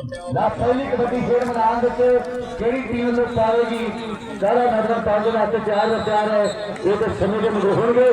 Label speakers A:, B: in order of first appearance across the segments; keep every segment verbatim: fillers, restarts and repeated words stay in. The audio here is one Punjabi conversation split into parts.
A: ला पहली कबड्डी खेल मैदान केड़ी टीम लोग पाएगी ज्यादा मैदान पाने वास्ते तैयार व तैयार है ये तो समय के मुझे होंगे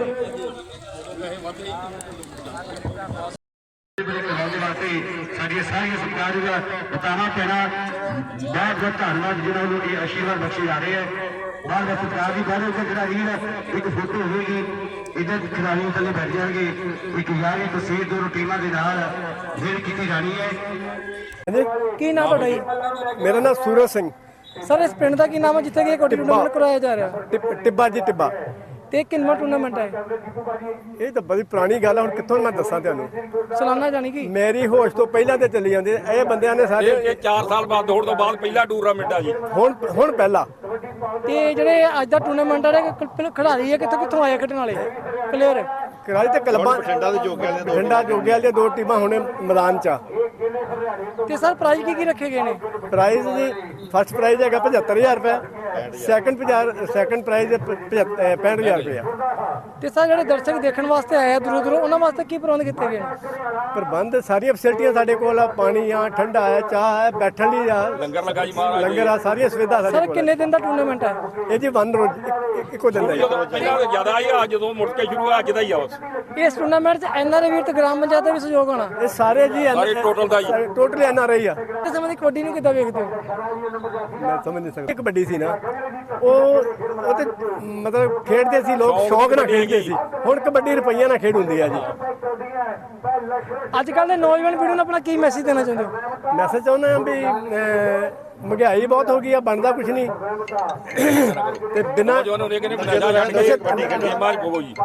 A: सारिया सारिया सरकार का बताना पैना बहुत बहुत धन्यवाद जिन्होंने ये आशीर्वाद बख्शे जा रहे हैं बार बार सरकार की बार जरा रील एक फोटो होगी इधर खिलाड़ी थले बैठ जाएंगे एक यार तस्वीर दोनों टीमों के नाल खेल की जानी है।
B: ਕੀ ਨਾਮ ਤੁਹਾਡਾ ਜੀ?
C: मेरा नाम सूरज सिंह
B: ਸਰ ਇਸ ਪਿੰਡ ਦਾ ਕੀ ਨਾਮ ਹੈ ਜਿੱਥੇ ਕਿ ਕੋਟੀ ਟੂਰਨਾਮੈਂਟ ਕਰਾਇਆ ਜਾ ਰਿਹਾ
C: टिब- टिब्बा जी टिब्बा
B: ਤੇ ਕਿੰਨਾ ਟੂਰਨਾਮੈਂਟ ਹੈ
C: ਇਹ ਤਾਂ ਬੜੀ ਪੁਰਾਣੀ ਗੱਲ ਹੈ ਹੁਣ ਕਿੱਥੋਂ ਮੈਂ ਦੱਸਾਂ ਤੁਹਾਨੂੰ
B: ਸਾਲਾਨਾ ਜਾਨੀ ਕਿ
C: ਮੇਰੀ ਹੋਸ਼ ਤੋਂ ਪਹਿਲਾਂ ਤੇ ਚੱਲੀ ਜਾਂਦੇ ਇਹ ਬੰਦਿਆਂ ਨੇ ਸਾਡੇ
D: ਇਹ ਚਾਰ ਸਾਲ ਬਾਅਦ ਦੌੜ ਤੋਂ ਬਾਅਦ ਪਹਿਲਾ ਟੂਰਨਾਮੈਂਟ ਆ ਜੀ।
C: ਹੁਣ ਹੁਣ ਪਹਿਲਾਂ
B: ਤੇ ਜਿਹੜੇ ਅੱਜ ਦਾ ਟੂਰਨਾਮੈਂਟ ਆ ਖਿਡਾਰੀ ਹੈ ਕਿੱਥੋਂ ਕਿੱਥੋਂ ਆਏ ਖੇਡਣ ਵਾਲੇ ਪਲੇਅਰ
C: ਕਰਾਲੀ ਤੇ ਕਲਬਾਂ ਬਠਿੰਡਾ ਦੇ ਜੋਗੇ ਵਾਲੇ ਬਠਿੰਡਾ ਜੋਗੇ ਵਾਲੇ ਦੋ ਟੀਮਾਂ ਹੁਣੇ ਮੈਦਾਨ 'ਚ ਆ।
B: ਤੇ ਸਰ ਪ੍ਰਾਈਜ਼ ਕੀ ਕੀ ਰੱਖੇ ਗਏ ਨੇ?
C: ਪ੍ਰਾਈਜ਼ ਜੀ ਫਸਟ ਪ੍ਰਾਈਜ਼ ਹੈਗਾ ਪਝੱਤਰ ਹਜ਼ਾਰ ਰੁਪਏ ਸੈਕੰਡ ਪੰਜਾਹ ਸੈਕੰਡ ਪ੍ਰਾਈਜ਼ ਪੈਂਹਠ ਹਜ਼ਾਰ ਰੁਪਏ।
B: ਤੇ ਸਰ ਜਿਹੜੇ ਦਰਸ਼ਕ ਦੇਖਣ ਵਾਸਤੇ ਆਏ ਆ ਦੂਰੋਂ ਦੂਰੋਂ ਉਹਨਾਂ ਵਾਸਤੇ ਕੀ ਪ੍ਰਬੰਧ ਕੀਤੇ ਗਏ ਨੇ?
C: ਪ੍ਰਬੰਧ ਸਾਰੀਆਂ ਫੈਸਿਲਿਟੀਆਂ ਸਾਡੇ ਕੋਲ ਆ ਪਾਣੀ ਆ ਠੰਡਾ ਹੈ ਚਾਹ ਹੈ ਬੈਠਣ ਲਈ ਆ
D: ਲੰਗਰ ਲੱਗਾ ਜੀ ਮਹਾਰਾਜ
C: ਲੰਗਰ ਆ ਸਾਰੀਆਂ ਸੁਵਿਧਾ ਸਾਡੇ
B: ਸਰ
C: ਕੋਲ
B: ਕਿੰਨੇ ਦਿਨ ਦਾ ਟੂਰਨਾਮੈਂਟ ਹੈ?
C: ਇਹ ਜੀ ਵਨ ਰੋਜ਼ ਇੱਕ- ਇੱਕੋ ਦਿਨ ਦਾ ਜੀ।
D: ਜਦੋਂ ਪਹਿਲਾਂ ਤਾਂ ਜ਼ਿਆਦਾ ਹੀ ਆ ਜਦੋਂ ਮੁੜ ਕੇ ਸ਼ੁਰੂ ਆ ਅੱਜ ਦਾ ਹੀ ਆ ਬਸ।
B: ਇਸ ਟੂਰਨਾਮੈਂਟ 'ਚ ਐਨ ਆਰ ਆਈ ਵੀਰ ਤੇ ਗ੍ਰਾਮ ਪੰਚਾਇਤ ਦਾ ਵੀ ਸਹਿਯੋਗ ਹੋਣਾ
C: ਇਹ ਸਾਰੇ ਜੀ
D: ਸਾਰੇ total ਦਾ ਜੀ।
C: ਟੋਟਲੀ ਐਨ ਆਰ ਆਈ ਆ
B: ਤੇ ਸਮੇਂ ਦੀ ਕਬੱਡੀ ਨੂੰ ਕਿੱਦਾਂ ਵੇਖਦੇ ਹੋ?
C: ਮੈਂ ਸਮਝ ਨਹੀਂ ਸਕਦਾ ਕਬੱਡੀ ਸੀ ਨਾ ਉਹ ਉਹ ਤੇ ਮਤਲਬ ਖੇਡਦੇ ਸੀ ਲੋਕ ਸ਼ੌਕ ਨਾਲ ਖੇਡਦੇ ਸੀ ਹੁਣ ਕਬੱਡੀ ਰੁਪਈਆ ਨਾਲ ਖੇਡ ਹੁੰਦੀ ਆ ਜੀ।
B: ਅੱਜ ਕੱਲ੍ਹ ਦੇ ਨੌਜਵਾਨ ਪੀੜ੍ਹੀ ਨੂੰ ਆਪਣਾ ਕੀ ਮੈਸੇਜ ਦੇਣਾ ਚਾਹੁੰਦੇ ਹੋ?
C: ਮੈਸੇਜ ਚਾਹੁੰਦਾ ਹਾਂ ਵੀ ਅਹ, ਮਹਿੰਗਾਈ ਬਹੁਤ ਹੋ ਗਈ ਆ ਬਣਦਾ ਕੁਝ ਨਹੀਂ ਤੇ ਬਿਨਾਂ
D: ਜੋ ਉਹਨੇ ਕਹਿੰਦੇ ਨਸ਼ਾ ਛੱਡ ਕੇ ਵੱਡੀ ਗੇਮਾਂ 'ਚ ਪਵੋ ਜੀ।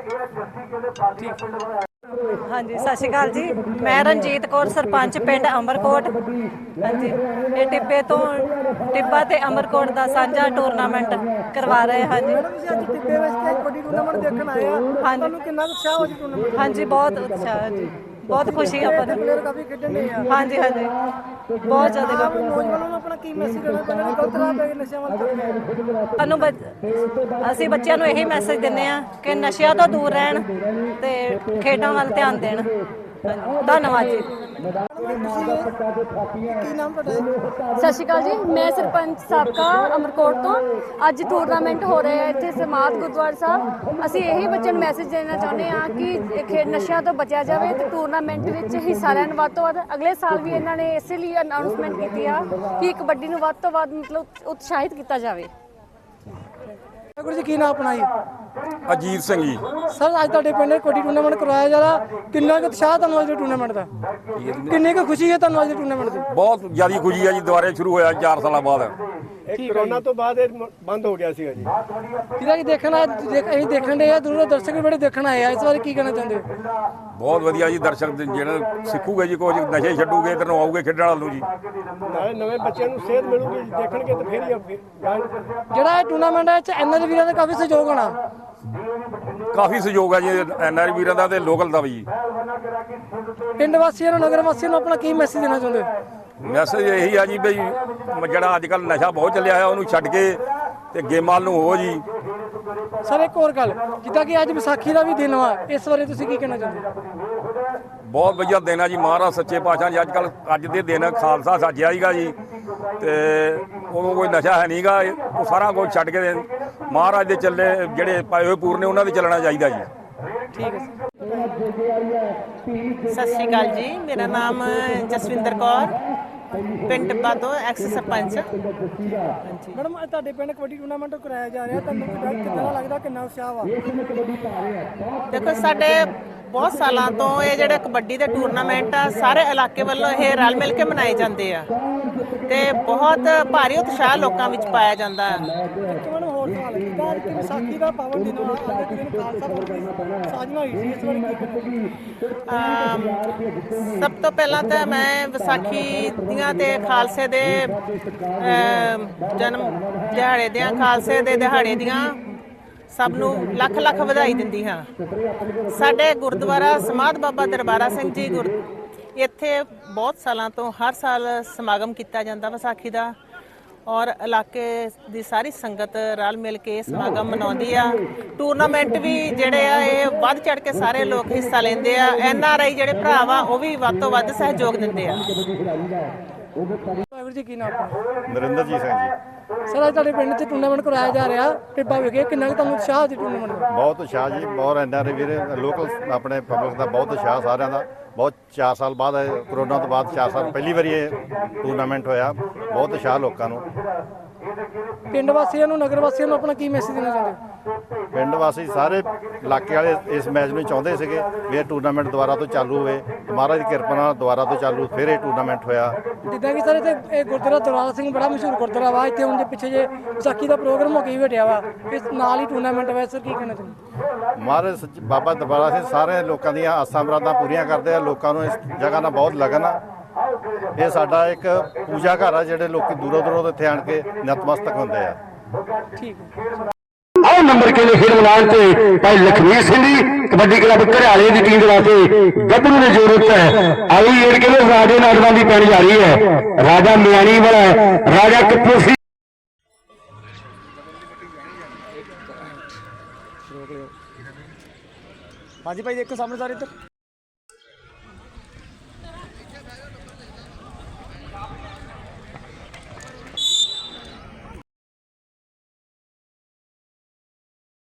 E: ਹਾਂਜੀ ਸਤਿ ਸ਼੍ਰੀ ਅਕਾਲ ਜੀ ਮੈਂ ਰਣਜੀਤ ਕੌਰ ਸਰਪੰਚ ਪਿੰਡ ਅਮਰਕੋਟ। ਹਾਂਜੀ ਇਹ ਟਿੱਬੇ ਤੋਂ ਟਿੱਬਾ ਤੇ ਅਮਰਕੋਟ ਦਾ ਸਾਂਝਾ ਟੂਰਨਾਮੈਂਟ ਕਰਵਾ ਰਹੇ ਹਾਂ ਜੀ।
B: ਤੁਸੀਂ ਅੱਜ ਟਿੱਬੇ ਵਿੱਚ ਕਬੱਡੀ ਟੂਰਨਾਮੈਂਟ ਦੇਖਣ ਆਏ ਆ ਤੁਹਾਨੂੰ ਕਿੰਨਾ ਉਤਸ਼ਾਹ ਹੋ ਜੀ ਟੂਰਨਾਮੈਂਟ?
E: ਹਾਂਜੀ ਬਹੁਤ ਉਤਸ਼ਾਹ ਹੈ ਜੀ ਬਹੁਤ ਖੁਸ਼ੀ ਆਪਾਂ ਨੂੰ।
B: ਪਲੇਅਰ ਕਾਫੀ ਖੇਡਣ ਦੇ ਆ
E: ਹਾਂਜੀ ਹਾਂਜੀ ਬਹੁਤ ਜ਼ਿਆਦਾ
B: ਆਪ ਨੌਜਵਾਨਾਂ ਨੂੰ ਆਪਣਾ ਕੀ ਮੈਸੇਜ ਦੇਣਾ ਚਾਹੁੰਦੇ ਨੇ ਗਲਤ ਰਾਹ ਪੈ ਕੇ ਨਸ਼ਿਆਂ ਵੱਲ ਤੁਰ ਗਏ?
E: ਸਾਨੂੰ ਬੱਚ- ਅਸੀਂ ਬੱਚਿਆਂ ਨੂੰ ਇਹੀ ਮੈਸੇਜ ਦਿੰਦੇ ਆ ਕਿ ਨਸ਼ਿਆਂ ਤੋਂ ਦੂਰ ਰਹਿਣ ਤੇ ਖੇਡਾਂ ਵੱਲ ਧਿਆਨ ਦੇਣ। ਹਾਂਜੀ, ਧੰਨਵਾਦ ਜੀ।
B: ਕੀ ਨਾਮ ਤੁਹਾਡਾ?
F: ਸਤਿ ਸ਼੍ਰੀ ਅਕਾਲ ਜੀ ਮੈਂ ਸਰਪੰਚ ਸਾਬਕਾ ਅਮਰਕੋਟ ਤੋਂ। ਅੱਜ ਟੂਰਨਾਮੈਂਟ ਹੋ ਰਿਹਾ ਹੈ ਇੱਥੇ ਸਮਾਧ ਗੁਰਦੁਆਰਾ ਸਾਹਿਬ। ਅਸੀਂ ਇਹੀ ਬੱਚਿਆਂ ਨੂੰ ਮੈਸੇਜ ਦੇਣਾ ਚਾਹੁੰਦੇ ਹਾਂ ਕਿ ਇਹ ਖੇਡ ਨਸ਼ਿਆਂ ਤੋਂ ਬਚਿਆ ਜਾਵੇ ਤੇ ਟੂਰਨਾਮੈਂਟ ਵਿੱਚ ਹਿੱਸਾ ਲੈਣ ਵੱਧ ਤੋਂ ਵੱਧ। ਅਗਲੇ ਸਾਲ ਵੀ ਇਹਨਾਂ ਨੇ ਇਸੇ ਲਈ ਅਨਾਉਂਸਮੈਂਟ ਕੀਤੀ ਆ ਕਿ ਕਬੱਡੀ ਨੂੰ ਵੱਧ ਤੋਂ ਵੱਧ ਮਤਲਬ ਉਤਸ਼ਾਹਿਤ ਕੀਤਾ ਜਾਵੇ।
B: ਗੁਰੂ ਜੀ ਕੀ ਨਾਮ ਆਪਣਾ ਜੀ?
D: ਅਜੀਤ ਸਿੰਘ ਜੀ।
B: ਸਰ ਅੱਜ ਤੁਹਾਡੇ ਪਿੰਡ ਕਬੱਡੀ ਟੂਰਨਾਮੈਂਟ ਕਰਵਾਇਆ ਜਾ ਰਿਹਾ ਕਿੰਨਾ ਕੁ ਉਤਸ਼ਾਹ ਤੁਹਾਨੂੰ ਅੱਜ ਦੇ ਟੂਰਨਾਮੈਂਟ ਦਾ? ਕਿੰਨੀ ਕੁ ਖੁਸ਼ੀ ਹੈ ਤੁਹਾਨੂੰ ਅੱਜ ਦੇ ਟੂਰਨਾਮੈਂਟ ਦੀ?
D: ਬਹੁਤ ਜ਼ਿਆਦਾ ਖੁਸ਼ੀ ਆ ਜੀ ਦੁਬਾਰੇ ਸ਼ੁਰੂ ਹੋਇਆ ਚਾਰ ਸਾਲਾਂ ਬਾਅਦ।
C: ਇਹ ਕਰੋਨਾ ਤੋਂ ਬਾਅਦ ਇਹ ਮ- ਬੰਦ ਹੋ ਗਿਆ ਸੀਗਾ ਜੀ।
B: ਜਿਹਦਾ ਕਿ ਦੇਖਣ ਆ ਦੇਖ- ਅਸੀਂ ਦੇਖਣ ਦੇ ਆ ਦੂਰੋਂ ਦਰਸ਼ਕ ਵੀ ਬੜੇ ਦੇਖਣ ਆਏ ਆ ਇਸ ਬਾਰੇ ਕੀ ਕਹਿਣਾ ਚਾਹੁੰਦੇ ਹੋ?
D: ਬਹੁਤ ਵਧੀਆ ਜੀ ਦਰਸ਼ਕ ਦੇ ਜਿਹੜੇ ਸਿੱਖੂਗੇ ਜੀ ਕੁਝ ਨਸ਼ੇ ਛੱਡੂਗੇ ਇੱਧਰ ਨੂੰ ਆਊਗੇ ਖੇਡਣ ਵਾਲ ਨੂੰ ਜੀ।
C: ਨਾਲੇ ਨਵੇਂ ਬੱਚਿਆਂ ਨੂੰ ਸੇਧ ਮਿਲੂਗੀ ਦੇਖਣਗੇ ਤਾਂ ਫਿਰ ਹੀ ਅੱਗੇ ਜਾਣਗੇ।
B: ਜਿਹੜਾ ਇਹ ਟੂਰਨਾਮੈਂਟ ਹੈ ਚ ਐਨ ਆਰ ਵੀਰਾਂ ਦਾ ਕਾਫੀ ਸਹਿਯੋਗ ਹੋਣਾ।
D: ਕਾਫੀ ਸਹਿਯੋਗ ਆ ਜੀ ਐਨ ਆਰ ਵੀਰਾਂ ਦਾ ਤੇ ਲੋਕਲ ਦਾ ਵੀ ਜੀ।
B: ਪਿੰਡ ਵਾਸੀਆਂ ਨੂੰ ਨਗਰ ਵਾਸੀਆਂ ਨੂੰ ਆਪਣਾ ਕੀ ਮੈਸੇਜ ਦੇਣਾ ਚਾਹੁੰਦੇ ਹੋ?
D: ਮੈਸੇਜ ਇਹੀ ਆ ਜੀ ਬਈ ਜਿਹੜਾ ਅੱਜ ਕੱਲ੍ਹ ਨਸ਼ਾ ਬਹੁਤ ਚੱਲਿਆ ਹੈ ਉਹਨੂੰ ਛੱਡ ਕੇ ਤੇ ਗੇਮਾਂ ਨੂੰ ਹੋ ਜੀ।
B: ਸਰ ਇੱਕ ਹੋਰ ਗੱਲ ਜਿੱਦਾਂ ਕਿ ਅੱਜ ਵਿਸਾਖੀ ਦਾ ਵੀ ਦਿਨ ਵਾ ਇਸ ਬਾਰੇ ਤੁਸੀਂ ਕੀ ਕਹਿਣਾ ਚਾਹੁੰਦੇ ਹੋ?
D: ਬਹੁਤ ਵਧੀਆ ਦਿਨ ਆ ਜੀ ਮਹਾਰਾਜ ਸੱਚੇ ਪਾਤਸ਼ਾਹ ਜੀ। ਅੱਜ ਕੱਲ੍ਹ ਅੱਜ ਦੇ ਦਿਨ ਖਾਲਸਾ ਸਾਜਿਆ ਹੀਗਾ ਜੀ ਤੇ ਉਦੋਂ ਕੋਈ ਨਸ਼ਾ ਹੈ ਨਹੀਂਗਾ। ਉਹ ਸਾਰਾ ਕੁਝ ਛੱਡ ਕੇ ਮਹਾਰਾਜ ਦੇ ਚੱਲੇ ਜਿਹੜੇ ਪਾਏ ਹੋਏ ਪੂਰਨੇ ਉਹਨਾਂ ਦੇ ਚੱਲਣਾ ਚਾਹੀਦਾ ਜੀ।
B: ਠੀਕ ਹੈ
G: ਸਤਿ ਸ਼੍ਰੀ ਅਕਾਲ ਜੀ ਮੇਰਾ ਨਾਮ ਜਸਵਿੰਦਰ ਕੌਰ ਪਿੰਡ ਟਿੱਬਾ ਤੋਂ ਐਕਸ ਸਰਪੰਚ।
B: ਮੈਡਮ ਅੱਜ ਤੁਹਾਡੇ ਪਿੰਡ ਕਬੱਡੀ ਟੂਰਨਾਮੈਂਟ ਕਰਾਇਆ ਜਾ ਰਿਹਾ ਤੁਹਾਨੂੰ ਕਿੰਨਾ ਲੱਗਦਾ ਕਿੰਨਾ ਉਤਸ਼ਾਹ ਵਾ?
G: ਦੇਖੋ ਸਾਡੇ ਬਹੁਤ ਸਾਲਾਂ ਤੋਂ ਇਹ ਜਿਹੜੇ ਕਬੱਡੀ ਦੇ ਟੂਰਨਾਮੈਂਟ ਆ ਸਾਰੇ ਇਲਾਕੇ ਵੱਲੋਂ ਇਹ ਰਲ ਮਿਲ ਕੇ ਮਨਾਏ ਜਾਂਦੇ ਆ ਤੇ ਬਹੁਤ ਭਾਰੀ ਉਤਸ਼ਾਹ ਲੋਕਾਂ ਵਿੱਚ ਪਾਇਆ ਜਾਂਦਾ ਹੈ।
B: ਤੁਹਾਨੂੰ ਹੋਰ ਸਵਾਲ ਜਿੱਦਾਂ ਕਿ ਵਿਸਾਖੀ ਦਾ ਪਾਵਨ ਦਿਨ ਵਾ ਅੱਜ ਦੇ ਦਿਨ ਖਾਲਸਾ ਪੰਥ ਦੀ ਸਾਜਨਾ ਹੋਈ ਸੀ ਇਸ ਬਾਰੇ ਕੀ ਕਹਿਣਾ?
G: ਅਮ ਸਭ ਤੋਂ ਪਹਿਲਾਂ ਤਾਂ ਮੈਂ ਵਿਸਾਖੀ ਦੀਆਂ ਤੇ ਖਾਲਸੇ ਦੇ ਅਮ ਜਨਮ ਦਿਹਾੜੇ ਦੀਆਂ ਖਾਲਸੇ ਦੇ ਦਿਹਾੜੇ ਦੀਆਂ ਸਭ ਨੂੰ ਲੱਖ ਲੱਖ ਵਧਾਈ ਦਿੰਦੀ ਹਾਂ। ਸਾਡੇ ਗੁਰਦੁਆਰਾ ਸਮਾਧ ਬਾਬਾ ਦਰਬਾਰਾ ਸਿੰਘ ਜੀ ਗੁਰ ਇੱਥੇ ਬਹੁਤ ਸਾਲਾਂ ਤੋਂ ਹਰ ਸਾਲ ਸਮਾਗਮ ਕੀਤਾ ਜਾਂਦਾ ਵਿਸਾਖੀ ਦਾ ਔਰ ਇਲਾਕੇ ਦੀ ਸਾਰੀ ਸੰਗਤ ਰਲ ਮਿਲ ਕੇ ਇਹ ਸਮਾਗਮ ਮਨਾਉਂਦੀ ਆ। ਟੂਰਨਾਮੈਂਟ ਵੀ ਜਿਹੜੇ ਆ ਇਹ ਵੱਧ ਚੜ ਕੇ ਸਾਰੇ ਲੋਕ ਹਿੱਸਾ ਲੈਂਦੇ ਆ। ਐਨ ਆਰ ਆਈ ਜਿਹੜੇ ਭਰਾ ਵਾ ਉਹ ਵੀ ਵੱਧ ਤੋਂ ਵੱਧ ਸਹਿਯੋਗ ਦਿੰਦੇ ਆ।
B: ਵਾਹਿਗੁਰੂ ਜੀ ਕੀ ਨਾਮ ਹੈ
H: ਨਰਿੰਦਰਜੀਤ ਸਿੰਘ ਜੀ।
B: ਸਰ ਅੱਜ ਤੁਹਾਡੇ ਪਿੰਡ 'ਚ ਟੂਰਨਾਮੈਂਟ ਕਰਾਇਆ ਜਾ ਰਿਹਾ ਟਿੱਬਾ ਵਿਖੇ ਕਿੰਨਾ ਕੁ ਤੁਹਾਨੂੰ ਉਤਸ਼ਾਹ ਦੀ ਟੂਰਨਾਮੈਂਟ ਦਾ
H: ਬਹੁਤ ਉਤਸ਼ਾਹ ਜੀ, ਬਹੁਤ ਐਨ ਆਰ ਵੀਰੇ ਲੋਕਲ ਆਪਣੇ ਪਬਲਿਕ ਦਾ ਬਹੁਤ ਉਤਸ਼ਾਹ ਸਾਰਿਆਂ ਦਾ। ਬਹੁਤ ਚਾਰ ਸਾਲ ਬਾਅਦ ਇਹ ਕਰੋਨਾ ਤੋਂ ਬਾਅਦ ਚਾਰ ਸਾਲ ਪਹਿਲੀ ਵਾਰੀ ਇਹ ਟੂਰਨਾਮੈਂਟ ਹੋਇਆ। ਬਹੁਤ ਉਤਸ਼ਾਹ ਲੋਕਾਂ ਨੂੰ।
B: ਪਿੰਡ ਵਾਸੀਆਂ ਨੂੰ ਨਗਰ ਵਾਸੀਆਂ ਨੂੰ ਆਪਣਾ ਕੀ ਮੈਸੇਜ ਦੇਣਾ ਚਾਹੁੰਦੇ
H: ਪਿੰਡ ਵਾਸੀ ਸਾਰੇ ਇਲਾਕੇ ਵਾਲੇ ਇਸ ਮੈਚ ਨੂੰ ਚਾਹੁੰਦੇ ਸੀਗੇ ਵੀ ਇਹ ਟੂਰਨਾਮੈਂਟ ਦੁਬਾਰਾ ਤੋਂ ਚਾਲੂ ਹੋਵੇ। ਤੇ ਮਹਾਰਾਜ ਦੀ ਕਿਰਪਾ ਨਾਲ ਦੁਬਾਰਾ ਤੋਂ ਚਾਲੂ ਫਿਰ ਇਹ ਟੂਰਨਾਮੈਂਟ ਹੋਇਆ।
B: ਜਿੱਦਾਂ ਕਿ ਸਰ ਇੱਥੇ ਇਹ ਗੁਰਦੁਆਰਾ ਦੌਰਾਲ ਸਿੰਘ ਬੜਾ ਮਸ਼ਹੂਰ ਗੁਰਦੁਆਰਾ ਵਾ ਇੱਥੇ ਹੁਣ ਦੇ ਪਿੱਛੇ ਜੇ ਵਿਸਾਖੀ ਦਾ ਪ੍ਰੋਗਰਾਮ ਹੋ ਕੇ ਵੀ ਹਟਿਆ ਵਾ ਇਸ ਨਾਲ ਹੀ ਟੂਰਨਾਮੈਂਟ ਹੋਇਆ ਸਰ ਕੀ ਕਹਿਣਾ ਚਾਹੁੰਦੇ
H: ਮਹਾਰਾਜ ਸੱਚ ਬਾਬਾ ਦਰਬਾਰਾ ਸਿੰਘ ਸਾਰੇ ਲੋਕਾਂ ਦੀਆਂ ਆਸਾਂ ਮੁਰਾਦਾਂ ਪੂਰੀਆਂ ਕਰਦੇ ਆ। ਲੋਕਾਂ ਨੂੰ ਇਸ ਜਗ੍ਹਾ ਨਾਲ ਬਹੁਤ ਲਗਨ ਆ। ਇਹ ਸਾਡਾ ਇੱਕ ਪੂਜਾ ਘਰ ਆ ਜਿਹੜੇ ਲੋਕੀ ਦੂਰੋਂ ਦੂਰੋਂ ਇੱਥੇ ਆਣ ਕੇ ਨਤਮਸਤਕ ਹੁੰਦੇ ਆ।
B: ਠੀਕ ਹੈ
A: ਆਹ ਨੰਬਰ ਕੇ ਖੇਡ ਮੈਦਾਨ ਤੇ ਭਾਈ ਲਖਵੀਰ ਸਿੰਘ ਜੀ ਕਬੱਡੀ ਕਲੱਬ ਘਰਿਆਲੇ ਦੀ ਟੀਮ ਦੇ ਵਾਸਤੇ ਗੱਭਰੂ ਦੀ ਜ਼ਰੂਰਤ ਹੈ। ਆਈ ਏਡ ਕੇ ਰਾਜੇ ਨੌਜਵਾਨ ਦੀ ਪੈਣ ਜਾ ਰਹੀ ਹੈ। ਰਾਜਾ ਮਿਆਣੀ ਵਾਲਾ ਰਾਜਾ ਕਪੂਰ ਸਿੰਘ
C: ਹਾਂਜੀ ਭਾਈ ਦੇਖੋ ਸਾਹਮਣੇ ਸਾਰੇ ਇੱਧਰ